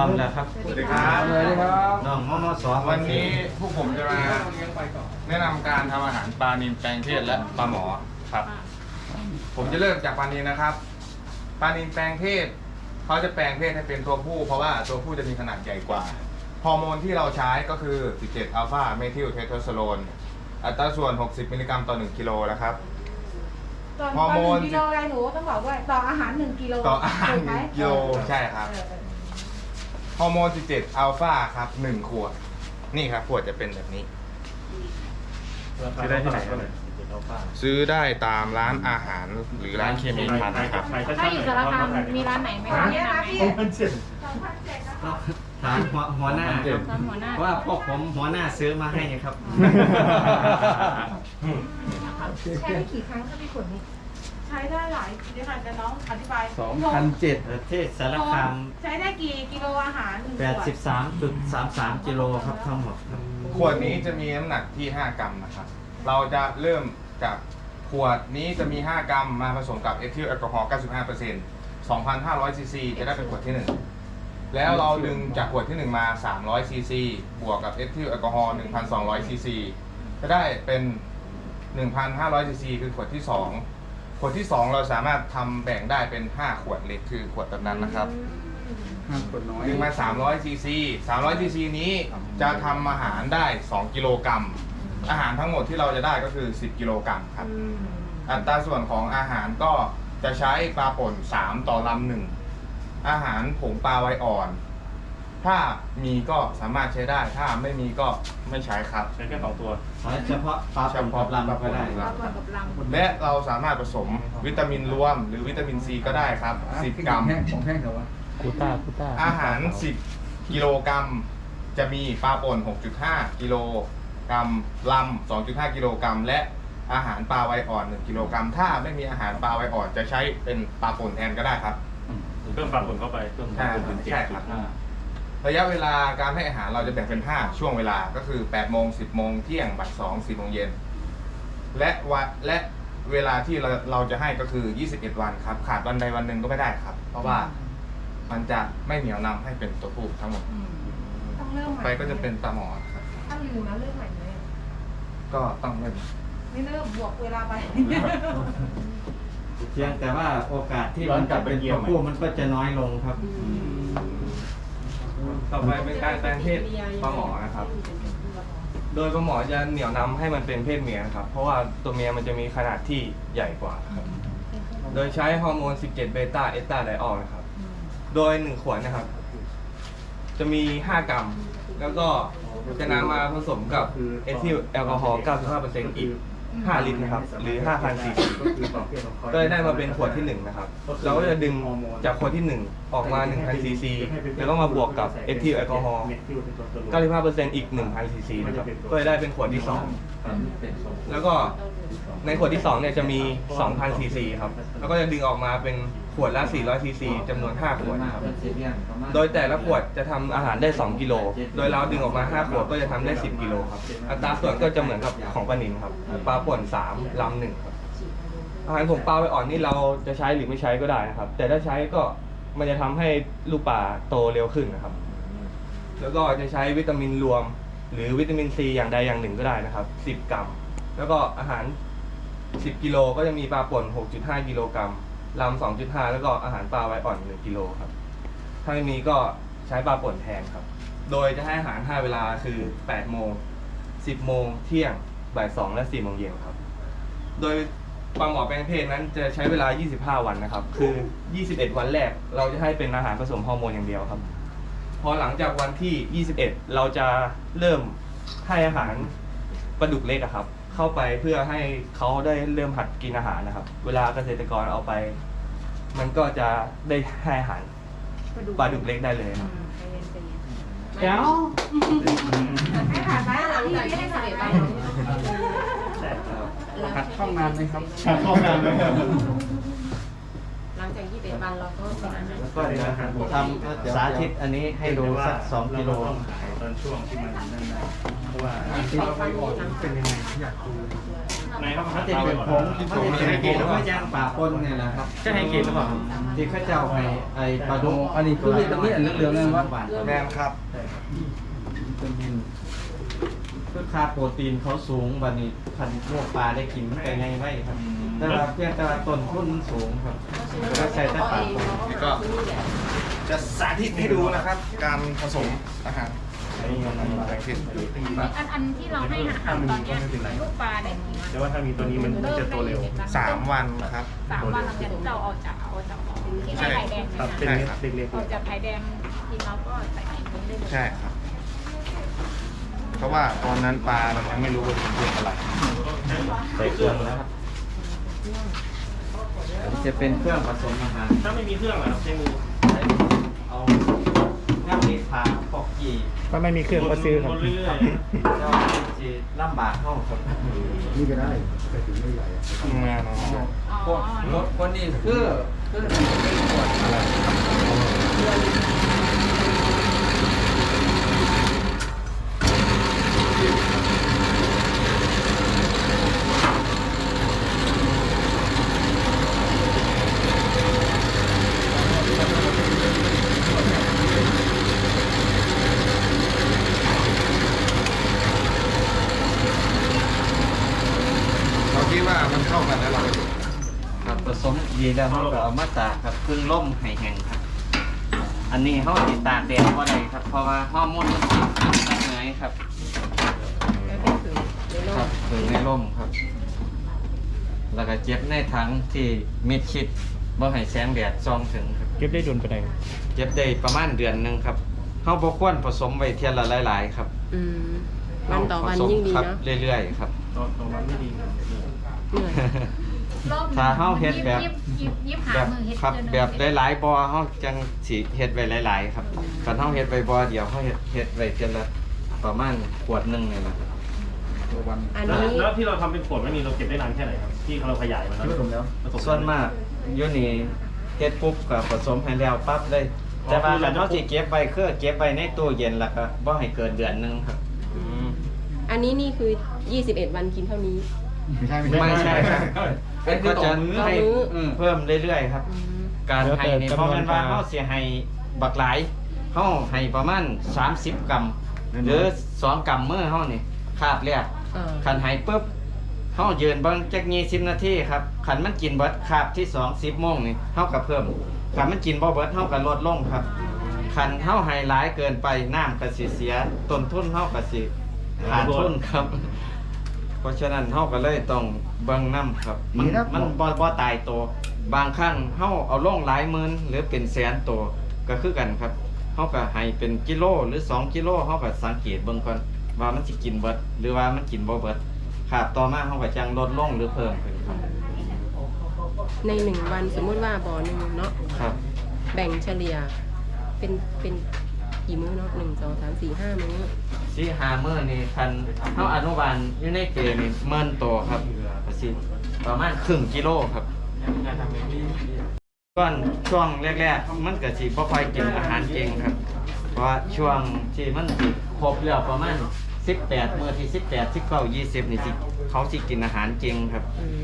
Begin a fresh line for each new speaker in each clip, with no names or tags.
อมแล้วครับ
สวัสดีครับ
สวัสดีครับ
น้องมส
วันนี้พวกผมจะมาแนะนำการทำอาหารปลานิลแปลงเพศและปลาหมอครับ ผมจะเริ่มจากปลานิลนะครับปลานิลแปลงเพศเขาจะแปลงเพศให้เป็นตัวผู้เพราะว่าตัวผู้จะมีขนาดใหญ่กว่าฮอร์โมนที่เราใช้ก็คือ 17 อัลฟาเมทิลเทสโทสเตอโรนอัตราส่วน 60 มิลลิกรัมต่อ 1 กิโลนะครับ
ฮอร์โมน1 กิโลอะไรหนูต้องบอกด้วยต่ออาหาร 1 กิโล
ต่ออาหาร
ถูกไหม
1 กิโลใช่ครับฮอร์โมน 17 อัลฟาครับ 1 ขวด นี่ครับ ขวดจะเป็นแบบนี้
ซื้อได้ที่ไหนครับ
ซื้อได้ตามร้านอาหารหรือร้านเคมีพันนะครับ
ถ้าอยู่สารคามมีร้านไหนไหมคะแนะนำพี่
ถามหัวหน้าครับ
ตามหัวหน้า
ว่าพวกผมหัวหน้าซื้อมาให้ครับ
ใช้ได้กี่ครั้งคะพี่ขวดนี้
ใช้ได้หลายเดี๋ยวค่ะจะน้องอธิบาย
2,007
เทศสารคาม
ใช้ได้กี่กิโลอาหาร1 ขวด
83.33 กิโลครับทั้งหมดครับ
ขวดนี้จะมีน้ำหนักที่ 5 กรัมนะครับ เราจะเริ่มจากขวดนี้จะมี 5 กรัมมาผสมกับเอทิลแอลกอฮอล์ 95% 2,500 ซีซี จะได้เป็นขวดที่ 1 แล้วเราดึงจากขวดที่ 1 มา 300 ซีซี บวกกับเอทิลแอลกอฮอล์ 1,200 ซีซี จะได้เป็น 1,500 ซีซี คือขวดที่ 2 ขวดที่ 2 เราสามารถทำแบ่งได้เป็น 5 ขวดเล็กคือขวดแบบนั้นนะครับ
ขวดน้อย
ดึงมา 300 ซีซี 300 ซีซีนี้จะทำอาหารได้ 2 กิโลกรัม อาหารทั้งหมดที่เราจะได้ก็คือ 10 กิโลกรัมครับ อัตราส่วนของอาหารก็จะใช้ปลาป่น 3 ต่อลำหนึ่ง อาหารผงปลาไวอ่อน ถ้ามีก็สามารถใช้ได้ ถ้าไม่มีก็ไม่ใช้ครับ
ใช้แค่2 ตัว
เฉพาะปลาปนกับลำก็ได้
ปลาป่นกับลำ
และเราสามารถผสมวิตามินรวม หรือวิตามินซีก็ได้ครับ 10 กรัม
ของแห้งเถอะวะ
อาหาร 10 กิโลกรัม จะมีปลาป่น 6.5 กิโลกรัมลำ 2.5 กิโลกรัม และอาหารปลาไวอ่อน 1 กิโลกรัม ถ้าไม่มีอาหารปลาไวอ่อนจะใช้เป็นปลาป่นแทนก็ได้ครับ
เพิ่มปลาผลเข้าไปเพิ่ม
ใช่
เป็น
ใช่ครับ ระยะเวลาการให้อาหารเราจะแบ่งเป็น 5 ช่วงเวลา ก็คือ 8 โมง 10 โมง เที่ยง บ่าย 2 4 โมงเย็น และเวลาที่เราจะให้ก็คือ 21 วันครับ ขาดวันใดวันหนึ่งก็ไม่ได้ครับ เพราะว่ามันจะไม่เหนียวนำให้เป็นตัวผู้ทั้งหมด
ต้องเริ่มใหม่
ไปก็จะเป็นปลาหมอครับ
ถ้าลืมแล้วเริ่มใหม่เลย
ก็ต้องเริ่ม
ไม่เริ่มบวกเวลาไป
เพียงแต่ว่าโอกาสที่มันจะเป็นตัวผู้มันก็จะน้อยลงครับ
ต่อไปเป็นการแปลงเพศปลาหมอนะครับ โดยปลาหมอจะเหนี่ยวนำให้มันเป็นเพศเมียนะครับ เพราะว่าตัวเมียมันจะมีขนาดที่ใหญ่กว่าครับ โดยใช้ฮอร์โมน 17 เบต้า เอสตาไดออลนะครับ โดย 1 ขวดนะครับ จะมี 5 กรัม แล้วก็จะนำมาผสมกับเอทิลแอลกอฮอล์ 95% อีก 5 ลิตรนะครับ หรือ 5,000 ซีซี ก็ได้มาเป็นขวดที่ 1 นะครับ เราก็จะดึงจากขวดที่ 1 ออกมา 1,000 ซีซี แล้วก็มาบวกกับเอทิลแอลกอฮอล์ 95% อีก 1,000 ซีซีนะครับ ก็จะได้เป็นขวดที่ 2 แล้วก็ในขวดที่ 2 เนี่ยจะมี 2,000 ซีซีครับ แล้วก็จะดึงออกมาเป็นขวดละ 400 ซีซีจำนวน 5 ขวดนะครับ โดยแต่ละขวดจะทำอาหารได้ 2 กิโล โดยเราดึงออกมา 5 ขวดก็จะทำได้ 10 กิโลครับ อัตราส่วนก็จะเหมือนกับของปลานิลครับ ปลาป่น 3 ลำ 1 ครับ อาหารผงปลาไวอ่อนนี่เราจะใช้หรือไม่ใช้ก็ได้นะครับ แต่ถ้าใช้ก็มันจะทำให้ลูกปลาโตเร็วขึ้นนะครับ แล้วก็จะใช้วิตามินรวม หรือวิตามินซีอย่างใดอย่างหนึ่งก็ได้นะครับ 10 กรัม แล้วก็อาหาร 10 กิโลก็จะมีปลาป่น 6.5 กิโลกรัมลำ 2.5 แล้วก็อาหารปลาไวอ่อน 1 กิโลครับ ถ้าไม่มีก็ใช้ปลาป่นแทนครับ โดยจะให้อาหาร 5 เวลาคือ 8 โมง 10 โมง เที่ยง บ่าย 2 และ 4 โมงเย็นครับ โดยปลาหมอแปลงเพศนั้นจะใช้เวลา 25 วันนะครับ คือ 21 วันแรกเราจะให้เป็นอาหารผสมฮอร์โมนอย่างเดียวครับ พอหลังจากวันที่ 21 เราจะเริ่มให้อาหารปลาดุกเล็กอะครับ เข้าไปเพื่อให้เขาได้เริ่มหัดกินอาหารนะครับ เวลาเกษตรกรเอาไป มันก็จะได้ให้อาหารปลาดุกเล็กได้เลยครับ
เดี๋ยว
ให้ผ่านไหม
หลังจากที่เสร็จไป
ขัดข้องนานไหมครับ
หลังจาก21 วันเราก็เป็นอาหาร
ก็เดี๋ยวทำสาธิตอันนี้ให้ดูสัก2 กิโล
างช่วงที่มันนั่นได้เพราะว่า
ที่เราไปออกเป็นยังไงอยากดู
ในครับ
มันจะเป็นผงมันจะเป็นผงแล้วก็ยางป่าปนเนี่ยแหละครับ
จะให้เกียรติหรือเปล่า
ที่เขาเจ้าให้ไอ้ปลาดุก
อันนี้คือตรงนี้อันเหลืองๆนั่นวะ
แมนครับ
คือค่าโปรตีนเขาสูงวันนี้คันพวกปลาได้กินมันไปไงไว้ครับ แต่ว่าเพียงแต่ว่าต้นทุนมันสูงครับก็ใช้แต่ปลาปน
นี่ก็จะสาธิตให้ดูนะครับ การผสมอาหารแบ่งทิศ
อันที่เราให้อาหารตอนเนี้ยลูกปลาเนี่ย
แต่ว่าถ้ามีตัวนี้มันจะโตเร็ว
3 วันครับ
3 วันหลังจากที่เราออกจากที่ให้ไข่แดง
ครับเป็น
นะ
เม็ด
คะ
เล็ก
ออกจากไข่แดงกินเราก็ใส่ไข่แดงได้เลย
ใช่ครับ เพราะว่าตอนนั้นปลามันยังไม่รู้ว่าเป็นอะไร
ใส่เครื่องแล้วครับจะเป็นเครื่องผสมอาหาร
ถ้าไม่มีเครื่องเหรอครับใช้มือ
เอาน้ำมีผาปอกกี่
ถ้าไม่มีเครื่องก็ซื้อครับ
วนเรื่อย
เจ้าจีลำบากเข้าครับ
นี่ก็ได้แต่ถึงไม่ใหญ่
งานเรา
อ๋อ
รถคนนี้คืออะไร
เราคิดว่ามันเข้ากันแล้วเราก็
ครับผสมดีแล้วเขาก็เอามาตากครับพึ่งล่มไห้แห้งครับ อันนี้เขาติดตากแดดก็ได้ครับ เพราะว่าฮอร์โมนมันติดตั้งไงครับครับถึงในร่มครับ แล้วก็เจ็บในถังที่มิดชิดบ่ให้แสงแดดส่องถึงครับ
เก็บได้ดุลไปไหน
เจ็บได้ประมาณเดือนหนึงครับเขาบ่ควรผสมไว้เทียนละหลายๆครับ
วันต่อวันยิ่งดี
ครับ
เนาะ
เรื่อยๆครับ
ตรงนั้นไม่ดี
เหนื่อย
ถ้าเฮาเฮ็ดแบบ
ยิบหา
แบบ
มือเฮ็ด
ครับ
เดือน
แบบหลายๆบ่อเฮาจังสิเฮ็ดไว้หลายๆครับคันเฮาเฮ็ดไว้บ่อเดียวเฮาเฮ็ดไว้เทียนละประมาณขวดหนึงนี่แหละครับ
ตัววัน
อัน
แล้ว
นี้
แล้วที่เราทำเป็นขวดไม่มีเราเก็บได้นานแค่ไหนครับที่เราขยายมันแล้ว
ผสมแล้ว
ผส
ส่วนมากอยู่นี่เฮ็ดปุ๊บก็ผสมให้แล้วปั๊บเลย แต่ว่าคันเฮาสิเก็บไว้คือเก็บไว้ในตู้เย็นแล้วก็บ่ให้เกินเดือนหนึงครับ
อันนี้นี่คือ 21 วันกินเท่านี้
ไม่ใช่ครับก็จะให้
ต่อมื้อ
เพิ่มเรื่อยๆครับ การให้นี่เพราะมันว่าเฮาสิให้บักหลายเฮาให้ประมาณ30 กรัมหรือ2 กรัมมื้อเฮานี่คาบแรก คันให้ปุ๊บเฮายืนเบิ่งจัก20 นาทีครับคันมันกินเบิดคาบที่2 10 โมงนี่เฮาก็เพิ่มคันมันกินบ่เบิดเฮาก็ลดลงครับคันเฮาให้หลายเกินไปน้ำก็สิเสียต้นทุนเฮาก็สิขาดทุนครับ เพราะฉะนั้นเฮาก็เลยต้องเบิ่งน้ำครับ มันบ่ตายตัวบางครั้งเฮาเอาลงหลายหมื่นหรือเป็นแสนตัวก็คือกันครับเฮาก็ให้เป็นกิโลหรือ2 กิโลเฮาก็สังเกตเบิ่งก่อนว่ามันสิกินเบิดหรือว่ามันกินบ่เบิดครับต่อมาเฮาก็จังลดลงหรือเพิ่มขึ้นครับ
ใน 1 วันสมมุติว่าบ่อหนึงเนาะ
ครับ
แบ่งเฉลี่ยเป็นกี่มื้อเนาะ1 2 3 4 5 มื้อ
สิ5มื้อนี่คันเฮาอนุบาลอยู่ในเกณฑ์นี่หมื่นตัวครับก็สิประมาณครึ่งกิโลครับก่อนช่วงแรกๆมันก็สิบ่ค่อยกินอาหารเก่งครับ เพราะว่าช่วงที่มันสิครบแล้วประมาณ18มื้อที่18 19 20นี่สิเขาสิกินอาหารเก่งครับ
อืม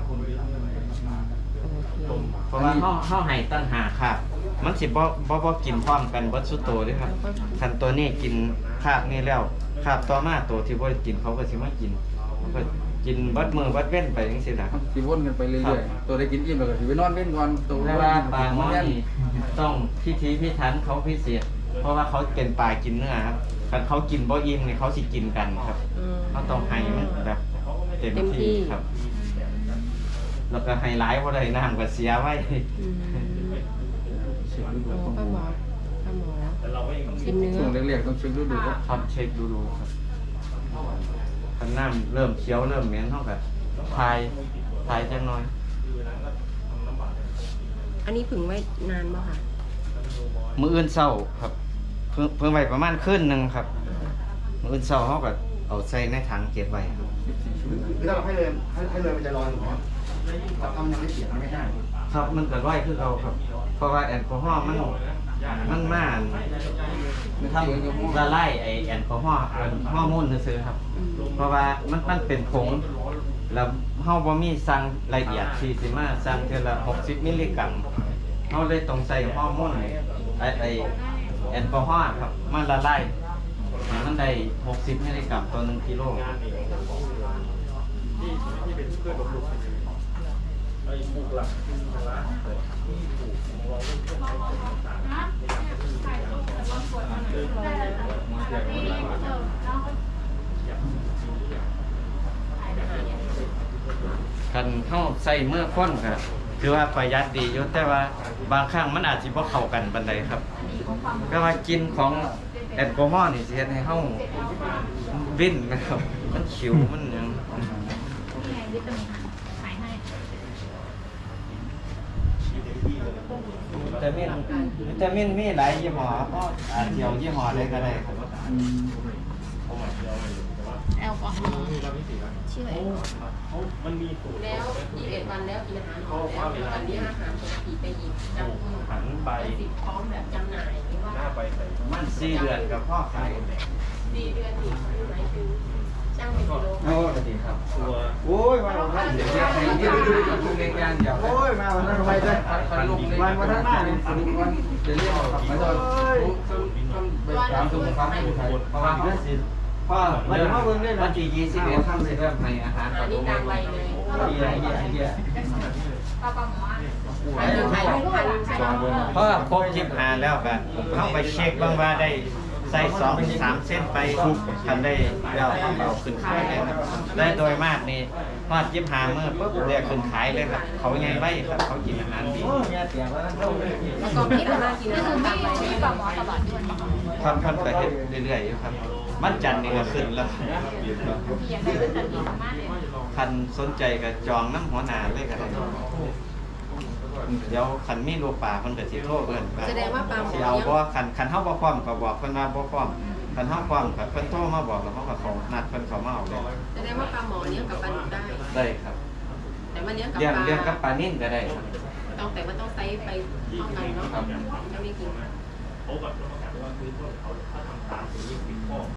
โอเค
เพราะว่าเฮาให้ตั้งหาครับ มันสิบ่กินพร้อมกันเบิดสุดโตเด้ครับคันตัวนี้กินคาบนี้แล้วคาบต่อมาตัวที่บ่ได้กินเขาก็สิมากินก็กินเบิดมื้อเบิดเว้นไปจังซี่ล่ะครับ
สิวนกันไปเรื่อยๆตัวได้กินอิ่มแล้วก็สิไปนอนเล่นก่อนตัว
แต่ว่าปลาหม้อนี่ต้องพิถีพิถันเขาพิเศษ เพราะว่าเขาเป็นปลากินเนื้อครับคันเขากินบ่อิ่มนี่เขาสิกินกันครับ
อืม
เขาต้องให้มันแบบเต็ม
เต็มที่
ที่ครับ แล้วก็ให้หลายบ่ได้น้ำก็เสียไว้
อืมโอ้ป้าหมอกินเนื้
ช่วง
อ
แรกๆต้องเช็คดูครับ
ครับเช็คดูครับคันน้ำเริ่มเขียวเริ่มเหม็นเท่ากับทายจังน้อย
อันนี้ผึ่งไว้นานบ่ค่ะ
มื้ออื่นเช้าครับ เพิ่งไว้ประมาณคืนหนึงครับ มื้ออื่นเช้าเฮาก็เอาใส่ในถังเก็บไว้ครับ
คือถ้าเราให้เลยมันจะลอยถูกไหมถ้ามันยังไม่เสียมันไม่ได้
ครับมันก็ร้อยคือเอาครับ เพราะว่าแอลกอฮอล์มันมันมาทำละลายไอแอลกอฮอล์ฮอร์โมนซื่อๆครับ เพราะว่ามันเป็นผงแล้วเฮาบ่มีสั่งละเอียดที่สิมาสั่งเทื่อละ60มิลลิกรัมเฮาเลยต้องใส่ฮอร์โมนไอแอลกอฮอล์ครับมันละลายให้มันได้60มิลลิกรัมต่อ1กิโล คันเข้าใส่เมื่อค้นครับคือว่าประหยัดดีอยู่แต่ว่าบางครั้งมันอาจสิบ่เข้ากันปานใดครับ ก็ว่ากินของแอลกอฮอล์นี่สิเฮ็ดให้เฮาวิ่นนะครับมันขิวมันหยัง
วิตามินขายให้
วิตามินมีหลายยี่ห้อก็อาจสิเอายี่ห้อใดก็ได้ครับ
แอลกอฮอล์ชื่ออะไร
มันมีสูตร
แล้ว21 วันแล้วกินอาหารแล้วอันนี้อาหารปกติไปอีกจำคุณ
หันใบ
สิบพร้อมแบบจำหน่ายหรือว่า
หน้าใบใส่
มัน4เดือนกับพ่อขาย
4 เดือนอีกหมายถึงจ้างเป็นกิโล
โอ้สวัสดีครับ
ตัว
โอ้ยมาวันนั้นเดี๋ยวจะให้
นี่
ยื
ดู
ด
ดูดูเล็กอย่างเดียว
โอ้ยมาวันนั้นไปจ้ะ
วันวันทั้งหน้าเนี่ยวันเดี๋ยวเรียกครับไม่ต้องไปตามตัวครับผู้ไทย
เพราะว่าเดือนสิพ่อวันนี้พ่อเบิ่งได้วันที่21ทำสิเริ่มให้อาหาร
อันนี้กลางใบเลย
เยี่ย
ปลาหมอ
อันนี้ขายทุกพันใช่ไหม
เพราะครบ15แล้วก็เข้าไปเช็คบ้างว่าได้ใส่2-3เส้นไปคันได้แล้วเอาขึ้นขายเลยครับได้โดยมากนี่ฮอด25มื้อปุ๊บเรียกขึ้นขายเลยครับเขาใหญ่ไว้ครับเขากินอาหารดี
แล้วก็พิจารณากินอาหารตามใบ
มีปลาหมอตลอดด้วย
ค่อนก็เฮ็ดเรื่อยๆอยู่ครับวันจันทร์นี่ก็ขึ้นแล้ว
อย่างไรก็จะดีมากเลย
คันสนใจก็จองน้ำหัวหน้าเลยก็ได้เดี๋ยวคันมีลูกป่าเพิ่นก็สิโทรเพิ่น
แสดงว่าปลาหมอ
สิเอาบ่คันเฮาบ่พร้อมก็บอกเพิ่นว่าบ่พร้อมคันเฮาพร้อมก็เพิ่นโทรมาบอกแล้วเขาก็เขานัดเพิ่นเข้ามาเอาเลย
แสดงว่าปลาหมอเลี้ยงกับปลาดุกได้
ได้ครับ
แต่มาเลี้ยงกับ
เลี้ยง
ปลา
เลี้ยงกับปลานิ่นก็ได้ครับ
ต้องแต่ว่าต้องไซส์ไปเท่ากันเนาะจะไม่กิน
โอ้กับว่าคือเขาถ้าทำตามสิ่งนี้ผิดข้อ